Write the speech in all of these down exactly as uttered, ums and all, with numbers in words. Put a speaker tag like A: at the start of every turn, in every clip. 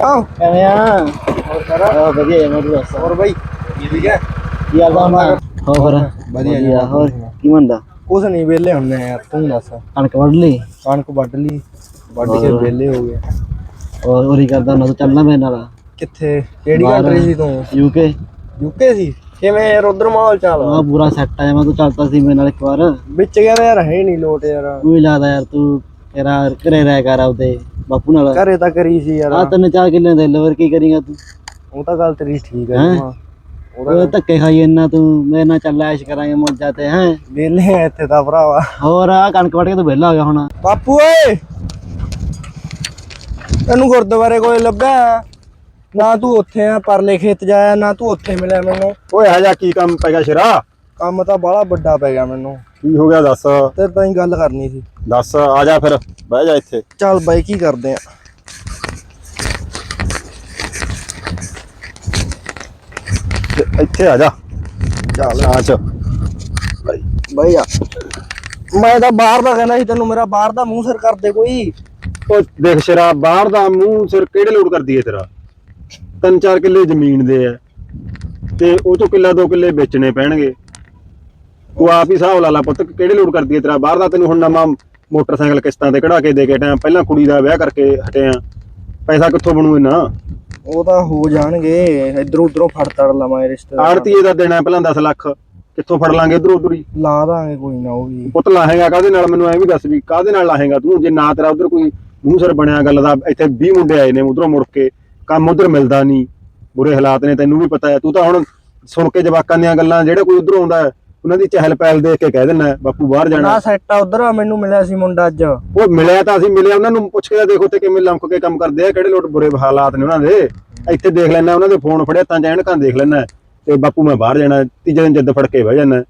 A: ਸਿਆ ਕਿਵੇਂ ਆ? ਹੋਰ ਕਰ ਆ ਵਧੀਆ ਮੈਂ ਦੱਸ ਹੋਰ ਬਾਈ ਠੀਕ ਹੈ ਕੀ ਹਾਲ ਆ? ਹੋਰ ਵਧੀਆ ਜੀ। ਹੋਰ ਕੀ ਮੰਦਾ? ਕੁਛ ਨਹੀਂ ਵਿਹਲੇ ਹੁੰਦੇ ਆ ਯਾਰ, ਤੂੰ ਦੱਸ। ਕਣਕ ਵੱਢ ਲਈ? ਕਣਕ ਵੱਢ ਲਈ, ਵੱਢ ਕੇ ਵਿਹਲੇ ਹੋ ਗਏ। ਹੋਰ ਹੋਰੀ ਕਰਦਾ ਨਾ, ਤੂੰ ਚੱਲਣਾ ਮੇਰੇ ਨਾਲ? ਕਿੱਥੇ? ਕਿਹੜੀ ਕੰਟਰੀ ਸੀ ਤੂੰ? ਯੂਕੇ। ਯੂਕੇ ਸੀ? ਕਿਵੇਂ ਯਾਰ ਉਧਰ ਮਾਹੌਲ ਚਾਲ? ਹਾਂ ਪੂਰਾ ਸੈੱਟ ਆ। ਮੈਂ ਤੂੰ ਚੱਲਦਾ ਸੀ ਮੇਰੇ ਨਾਲ ਇੱਕ ਵਾਰ ਵਿੱਚ ਗਿਆ ਯਾਰ, ਹੈ ਨਹੀਂ ਲੋਟ ਯਾਰ। ਤੂੰ ਹੀ ਲੱਗਦਾ ਯਾਰ, ਤੂੰ ਤੇਰਾ ਘਰੇ ਰਹਿ ਕਰ ਆਪਦੇ ਬਾਪੂ ਨਾਲ। ਘਰੇ ਤਾਂ ਕਰੀ ਸੀ ਯਾਰ। ਆ ਤਿੰਨ ਚਾਰ ਕਿੱਲੇ ਦੇ ਲਵਰ ਕੀ ਕਰੇਗਾ ਤੂੰ? ਉਹ ਤਾਂ ਗੱਲ ਤੇਰੀ ਠੀਕ ਹੈ। ਉਹ ਧੱਕੇ ਖਾਈ ਇੰਨਾ ਤੂੰ, ਮੇਰੇ ਨਾਲ ਚੱਲ ਐਸ਼ ਕਰਾਂਗੇ ਮੌਜਾਂ ਤੇ। ਹੈ ਵਿਹਲੇ ਆ ਇੱਥੇ ਤਾਂ ਭਰਾਵਾ। ਹੋਰ ਆ ਕਣਕ ਵੱਢ ਕੇ ਤੂੰ ਵਿਹਲਾ ਹੋ ਗਿਆ ਹੁਣ। ਬਾਪੂ ਓਏ ਤੈਨੂੰ ਗੁਰਦੁਆਰੇ ਕੋਲ ਲੱਭਿਆ ਨਾ, ਤੂੰ ਉੱਥੇ ਆ ਪਰਲੇ ਖੇਤ ਜਾਇਆ ਨਾ, ਤੂੰ ਉੱਥੇ ਮਿਲਿਆ ਮੈਨੂੰ। ਓਏ ਆ ਜਾ, ਕੀ ਕੰਮ ਪੈ ਗਿਆ ਸ਼ੇਰਾ? ਕੰਮ ਤਾਂ ਬਾਹਲਾ ਵੱਡਾ ਪੈ ਗਿਆ ਮੈਨੂੰ। ਕੀ ਹੋ ਗਿਆ ਦੱਸ? ਤੇਰੇ ਤਾਂ ਹੀ ਗੱਲ ਕਰਨੀ ਸੀ। ਦੱਸ ਆ ਜਾ ਫਿਰ, ਬਹਿ ਜਾ ਇੱਥੇ। ਚੱਲ ਬਾਈ ਕੀ ਕਰਦੇ ਆ? ਇੱਥੇ ਆ ਜਾ। ਚੱਲ ਆਚ ਬਾਈ ਬਾਈ ਆ। ਮੈਂ ਤਾਂ ਬਾਹਰ ਦਾ ਕਹਿਣਾ ਸੀ ਤੈਨੂੰ, ਮੇਰਾ ਬਾਹਰ ਦਾ ਮੂੰਹ ਸਿਰ ਕਰਦੇ ਕੋਈ। ਉਹ ਦੇਖ ਸ਼ੇਰਾ, ਬਾਹਰ ਦਾ ਮੂੰਹ ਸਿਰ ਕਿਹੜੇ ਲੋਡ ਕਰਦੀ ਹੈ ਤੇਰਾ? ਤਿੰਨ ਚਾਰ ਕਿੱਲੇ ਜ਼ਮੀਨ ਦੇ ਆ ਤੇ ਉਹ ਤੋਂ ਕਿੱਲਾ ਦੋ ਕਿੱਲੇ ਵੇਚਣੇ ਪੈਣਗੇ। ਤੂੰ ਆਪ ਹੀ ਹਿਸਾਬ ਲਾ ਲਾ ਪੁੱਤ, ਕਿਹੜੇ ਲੋਡ ਕਰਦੀ ਹੈ ਤੇਰਾ ਬਾਹਰ ਦਾ? ਤੈਨੂੰ ਹੁਣ ਨਵਾਂ ਮੋਟਰਸਾਈਕਲ ਕਿਸ਼ਤਾਂ ਤੇ ਕਢਾ ਕੇ ਦੇ ਕੇ ਟਾਈਮ, ਪਹਿਲਾਂ ਕੁੜੀ ਦਾ ਵਿਆਹ ਕਰਕੇ ਹਟੇ ਆ, ਪੈਸਾ ਕਿੱਥੋਂ ਬਣੂ ਇਹਨਾਂ? ਉਹ ਤਾਂ ਹੋ ਜਾਣਗੇ, ਇਧਰੋਂ ਉਧਰੋਂ ਫੜ ਤੜ ਲਵਾਂ ਰਿਸ਼ਤੇਦਾਰ। ਆੜਤੀਏ ਦਾ ਦੇਣਾ ਪਹਿਲਾਂ ਦਸ ਲੱਖ, ਕਿੱਥੋਂ ਫੜ ਲਾਂਗੇ ਇਧਰੋਂ ਉਧਰ ਹੀ? ਲਾ ਦਾਂਗੇ ਕੋਈ ਨਾ। ਉਹ ਵੀ ਪੁੱਤ ਲਾਹੇਗਾ ਕਾਹਦੇ ਨਾਲ? ਮੈਨੂੰ ਐ ਵੀ ਦੱਸ ਵੀ ਕਾਹਦੇ ਨਾਲ ਲਾਹੇਗਾ ਤੂੰ? ਜੇ ਨਾ ਤੇਰਾ ਉਧਰ ਕੋਈ ਮੂੰਹ ਸਿਰ ਬਣਿਆ ਗੱਲ ਦਾ। ਇੱਥੇ ਵੀਹ ਮੁੰਡੇ ਆਏ ਨੇ ਉਧਰੋਂ ਮੁੜ ਕੇ, ਕੰਮ ਉਧਰ ਮਿਲਦਾ ਨਹੀਂ, ਬੁਰੇ ਹਾਲਾਤ ਨੇ, ਤੈਨੂੰ ਵੀ ਪਤਾ ਹੈ। ਤੂੰ ਤਾਂ ਹੁਣ ਸੁਣ ਕੇ ਜਵਾਕਾਂ ਦੀਆਂ ਗੱਲਾਂ, ਜਿਹੜੇ ਕੋਈ ਉਧਰੋਂ ਆਉਂਦਾ ਉਹਨਾਂ ਦੀ ਚਹਿਲ ਪਹਿਲ ਦੇਖ ਕੇ ਕਹਿ ਦਿੰਦਾ ਬਾਪੂ ਬਾਹਰ ਜਾਣਾ। ਨਾ ਸੈੱਟ ਆ ਉਧਰ। ਮੈਨੂੰ ਮਿਲਿਆ ਸੀ ਮੁੰਡਾ ਅੱਜ। ਉਹ ਮਿਲਿਆ ਤਾਂ ਅਸੀਂ ਮਿਲਿਆ, ਉਹਨਾਂ ਨੂੰ ਪੁੱਛ ਕੇ ਦੇਖੋ ਤੇ ਕਿਵੇਂ ਲੰਕ ਕੇ ਕੰਮ ਕਰਦੇ ਆ, ਕਿਹੜੇ ਲੋਟ ਬੁਰੇ ਹਾਲਾਤ ਨੇ ਉਹਨਾਂ ਦੇ। ਇੱਥੇ ਦੇਖ ਲੈਣਾ, ਉਹਨਾਂ ਦੇ ਫੋਨ ਫੜਿਆ ਤਾਂ ਐਨਕਾਂ ਦੇਖ ਲੈਣਾ ਤੇ ਬਾਪੂ ਮੈਂ ਬਾਹਰ ਜਾਣਾ, ਤੀਜੇ ਦਿਨ ਜਿੱਦ ਫੜ ਕੇ ਬਹਿ ਜਾਣਾ।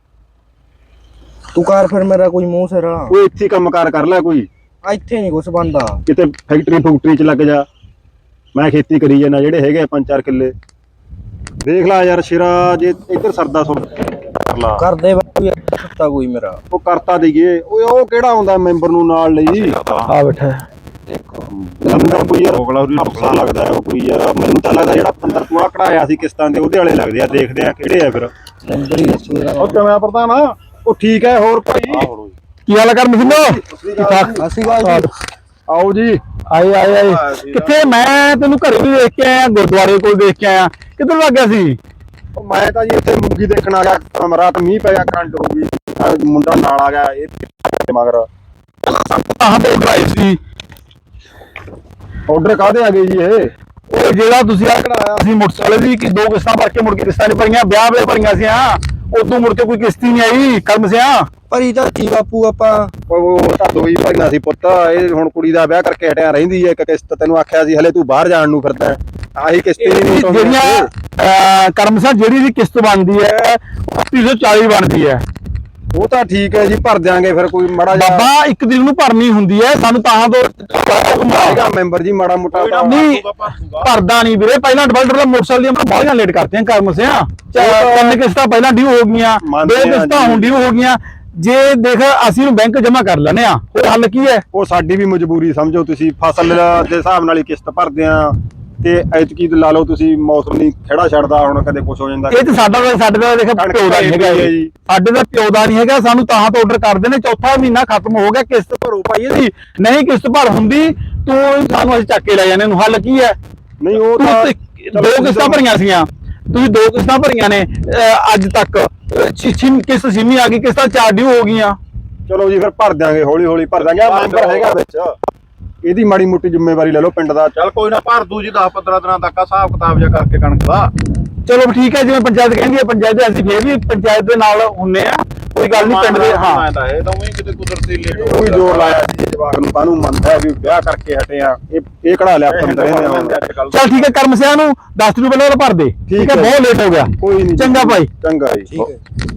A: ਤੂੰ ਕਰ ਫਿਰ ਮੇਰਾ ਕੋਈ ਮੂੰਹ ਸਿਰ। ਉਹ ਇੱਥੇ ਕੰਮ ਕਾਰ ਕਰ ਲੈ ਕੋਈ। ਇੱਥੇ ਨਹੀਂ ਕੁਛ ਬਣਦਾ, ਕਿਤੇ ਫੈਕਟਰੀ ਫੂਕਟਰੀ ਚ ਲੱਗ ਜਾ। ਮੈਂ ਖੇਤੀ ਕਰੀ ਜਾਣਾ, ਜਿਹੜੇ ਹੈਗੇ ਪੰਜ ਚਾਰ ਕਿੱਲੇ। ਦੇਖ ਲਾ ਯਾਰ ਸ਼ੇਰਾ, ਜੇ ਇੱਧਰ ਸਰਦਾ ਸੁਣ ਕਰਦੇ ਸੁੱਤਾ ਕੋਈ ਮੇਰਾ। ਉਹ ਕਰਤਾ ਦੇਈਏ। ਓਏ ਉਹ ਕਿਹੜਾ ਆਉਂਦਾ ਮੈਂਬਰ ਨੂੰ ਨਾਲ ਲਈ? ਆ ਬੈਠਾ ਕੋਈ ਯਾਰ ਢੋਕਲਾ ਲੱਗਦਾ ਉਹ ਕੋਈ ਯਾਰ। ਮੈਨੂੰ ਤਾਂ ਲੱਗਦਾ ਜਿਹੜਾ ਪੰਦਰ ਤੂੰ ਆ ਕਢਾਇਆ ਸੀ ਕਿਸ਼ਤਾਂ ਦੇ, ਉਹਦੇ ਵਾਲੇ ਲੱਗਦੇ ਆ। ਦੇਖਦੇ ਆ ਕਿਹੜੇ ਆ ਫਿਰ। ਉਹ ਕਿਵੇਂ ਪ੍ਰਧਾਨ? ਉਹ ਠੀਕ ਹੈ। ਹੋਰ ਭਾਈ ਕੀ ਹਾਲ ਕਰ ਮਸਿੰਦੋ? ਅਸੀਂ ਆਓ ਜੀ। ਆਏ ਆਏ ਆਏ। ਕਿੱਥੇ? ਮੈਂ ਤੈਨੂੰ ਘਰੇ ਵੀ ਦੇਖ ਕੇ ਆਇਆ, ਗੁਰਦੁਆਰੇ ਕੋਲ ਦੇਖ ਕੇ ਆਇਆ। ਕਿੱਧਰ ਲੱਗ ਗਿਆ ਸੀ? ਮੈਂ ਤਾਂ ਜੀ ਇੱਥੇ ਮੂੰਗੀ ਦੇਖਣ ਆ ਗਿਆ। ਰਾਤ ਮੀਂਹ ਪੈ ਗਿਆ, ਕਰੰਟ ਹੋ ਗਈ, ਮੁੰਡਾ ਨਾਲ ਆ ਗਿਆ ਇਹ ਮਗਰ। ਸੀ ਆਰਡਰ ਕਾਹਦੇ ਆ ਗਏ ਜੀ? ਇਹ ਉਹ ਜਿਹੜਾ ਤੁਸੀਂ ਆ ਕਢਾਇਆ ਸੀ ਮੋਟਰਸਾਈਕਲ ਦੀ, ਕਿ ਦੋ ਕਿਸ਼ਤਾਂ ਭਰ ਕੇ ਮੁੜ ਕੇ ਕਿਸ਼ਤਾਂ ਨਹੀਂ ਭਰੀਆਂ, ਵਿਆਹ ਵੇਲੇ ਭਰੀਆਂ ਸੀ। ਹਾਂ ਉਦੋਂ ਮੁੜ ਕੇ ਕੋਈ ਕਿਸ਼ਤੀ ਨਹੀਂ ਆਈ। ਕਰਮ ਸਿਆ ਭਰੀ ਤਾਂ ਕੀ ਬਾਪੂ ਆਪਾਂ? ਉਹ ਤਾਂ ਦੋ ਹੀ ਭਰੀਆਂ ਸੀ ਪੁੱਤ। ਇਹ ਹੁਣ ਕੁੜੀ ਦਾ ਵਿਆਹ ਕਰਕੇ ਹਟਿਆ ਰਹਿੰਦੀ ਹੈ ਇੱਕ ਕਿਸ਼ਤ। ਤੈਨੂੰ ਆਖਿਆ ਸੀ ਹਲੇ ਤੂੰ ਬਾਹਰ ਜਾਣ ਨੂੰ ਫਿਰਦਾ, ਆਹੀ ਕਿਸ਼ਤੀ ਜਿਹੜੀਆਂ ਕਰਮ ਸਿਆ ਜਿਹੜੀ ਦੀ ਕਿਸ਼ਤ ਬਣਦੀ ਹੈ ਅੱਸੀ ਸੌ ਚਾਲੀ ਬਣਦੀ ਹੈ। ਉਹ ਤਾਂ ਠੀਕ ਹੈ ਜੀ, ਭਰ ਦਿਆਂਗੇ ਫਿਰ। ਕੋਈ ਮਾੜਾ ਜਿਹਾ ਬਾਬਾ ਇੱਕ ਦਿਨ ਨੂੰ ਭਰਨੀ ਹੁੰਦੀ ਹੈ ਸਾਨੂੰ, ਤਾਂ ਦੋ ਮੈਂਬਰ ਜੀ ਮਾੜਾ ਮੋਟਾ ਨਹੀਂ ਭਰਦਾ ਨਹੀਂ ਵੀਰੇ। ਪਹਿਲਾਂ ਡਿਵੈਲਪਰ ਮੋਟਰਸਾਈਕਲ ਦੀਆਂ ਬਾਹਲੀਆਂ ਲੇਟ ਕਰਤੀਆਂ ਕਰਮ ਸਿਆ। ਤਿੰਨ ਕਿਸ਼ਤਾਂ ਪਹਿਲਾਂ ਡਿਊ ਹੋ ਗਈਆਂ, ਦੋ ਕਿਸ਼ਤਾਂ ਹੁਣ ਡਿਊ ਹੋ ਗਈਆਂ। ਜੇ ਦੇਖ ਅਸੀਂ ਨੂੰ ਬੈਂਕ ਜਮਾ ਕਰ ਲੈਣੇ ਆ, ਉਹ ਹੱਲ ਕੀ ਹੈ? ਉਹ ਸਾਡੀ ਵੀ ਮਜਬੂਰੀ ਸਮਝੋ ਤੁਸੀਂ। ਫਸਲ ਦੇ ਹਿਸਾਬ ਨਾਲ ਹੀ ਕਿਸ਼ਤ ਭਰਦੇ ਆ ਤੇ ਐਤਕੀ ਲਾ ਲਓ ਤੁਸੀਂ, ਮੌਸਮ ਨਹੀਂ ਖੜਾ ਛੱਡਦਾ, ਹੁਣ ਕਦੇ ਕੁਛ ਹੋ ਜਾਂਦਾ। ਇਹ ਤੇ ਸਾਡਾ ਸਾਡੇ ਦਾ ਦੇਖ ਪਿਓ ਦਾ ਨਹੀਂ ਹੈਗਾ ਜੀ, ਸਾਡੇ ਦਾ ਪਿਓ ਦਾ ਨਹੀਂ ਹੈਗਾ। ਸਾਨੂੰ ਤਾਂ ਤੋਂ ਆਰਡਰ ਕਰਦੇ ਨੇ, ਚੌਥਾ ਮਹੀਨਾ ਖਤਮ ਹੋ ਗਿਆ, ਕਿਸ਼ਤ ਭਰੋ ਭਾਈ ਇਹਦੀ। ਨਹੀਂ ਕਿਸ਼ਤ ਭਰ ਹੁੰਦੀ ਤੂੰ ਸਾਨੂੰ ਅਸੀਂ ਚੱਕ ਕੇ ਲੈ ਜਾਂਦੇ। ਹੱਲ ਕੀ ਹੈ? ਨਹੀਂ ਉਹ ਦੋ ਕਿਸ਼ਤਾਂ ਭਰੀਆਂ ਸੀਗੀਆਂ, ਤੁਸੀਂ ਦੋ ਕਿਸ਼ਤਾਂ ਭਰੀਆਂ ਨੇ ਅੱਜ ਤੱਕ। ਕਿਸ਼ਤ ਛੇਵੀਂ ਆ ਗਈ, ਕਿਸ਼ਤਾਂ ਚਾਰ ਡਿਊ ਹੋ ਗਈਆਂ। ਚਲੋ ਜੀ ਫਿਰ ਭਰ ਦਿਆਂਗੇ, ਹੌਲੀ ਹੌਲੀ ਭਰ ਦਿਆਂਗੇ। ਮੈਂਬਰ ਹੈਗਾ ਵਿੱਚ, ਇਹਦੀ ਮਾੜੀ ਮੋਟੀ ਜ਼ਿੰਮੇਵਾਰੀ ਲੈ ਲਓ ਪਿੰਡ ਦਾ। ਚੱਲ ਕੋਈ ਨਾ ਭਰ ਦੂ ਜੀ, ਦਸ ਪੰਦਰਾਂ ਦਿਨਾਂ ਤੱਕ ਹਿਸਾਬ ਕਿਤਾਬ ਜਿਹਾ ਕਰਕੇ ਕਣਕ ਦਾ। ਚਲੋ ਠੀਕ ਹੈ, ਜਿਵੇਂ ਪੰਚਾਇਤ ਕਹਿੰਦੀ ਹੈ ਪੰਚਾਇਤ ਦੇ, ਅਸੀਂ ਫੇਰ ਵੀ ਪੰਚਾਇਤ ਦੇ ਨਾਲ ਹੁੰਨੇ ਆ, ਕੋਈ ਗੱਲ ਨਹੀਂ ਪਿੰਡ ਦੇ। ਹਾਂ ਇਹ ਤਾਂ ਉਹੀ ਕਿਤੇ ਕੁਦਰਤੀ ਲੇਟ ਕੋਈ ਜ਼ੋਰ ਲਾਇਆ ਜੀ ਜਵਾਕ ਨੂੰ, ਕਾਹਨੂੰ ਮੰਨਦਾ ਵੀ ਵਿਆਹ ਕਰਕੇ ਹਟੇ ਆ। ਇਹ ਇਹ ਕਢਾ ਲਿਆ ਪੰਦਰਾਂ ਨੇ। ਚੱਲ ਠੀਕ ਹੈ, ਕਰਮ ਸਿਆ ਨੂੰ ਦਸ ਰੁਪਏ ਪਹਿਲਾਂ ਭਰ ਦੇ। ਠੀਕ ਹੈ, ਬਹੁਤ ਲੇਟ ਹੋ ਗਿਆ। ਕੋਈ ਨਹੀਂ, ਚੰਗਾ ਭਾਈ। ਚੰਗਾ ਜੀ, ਠੀਕ ਹੈ।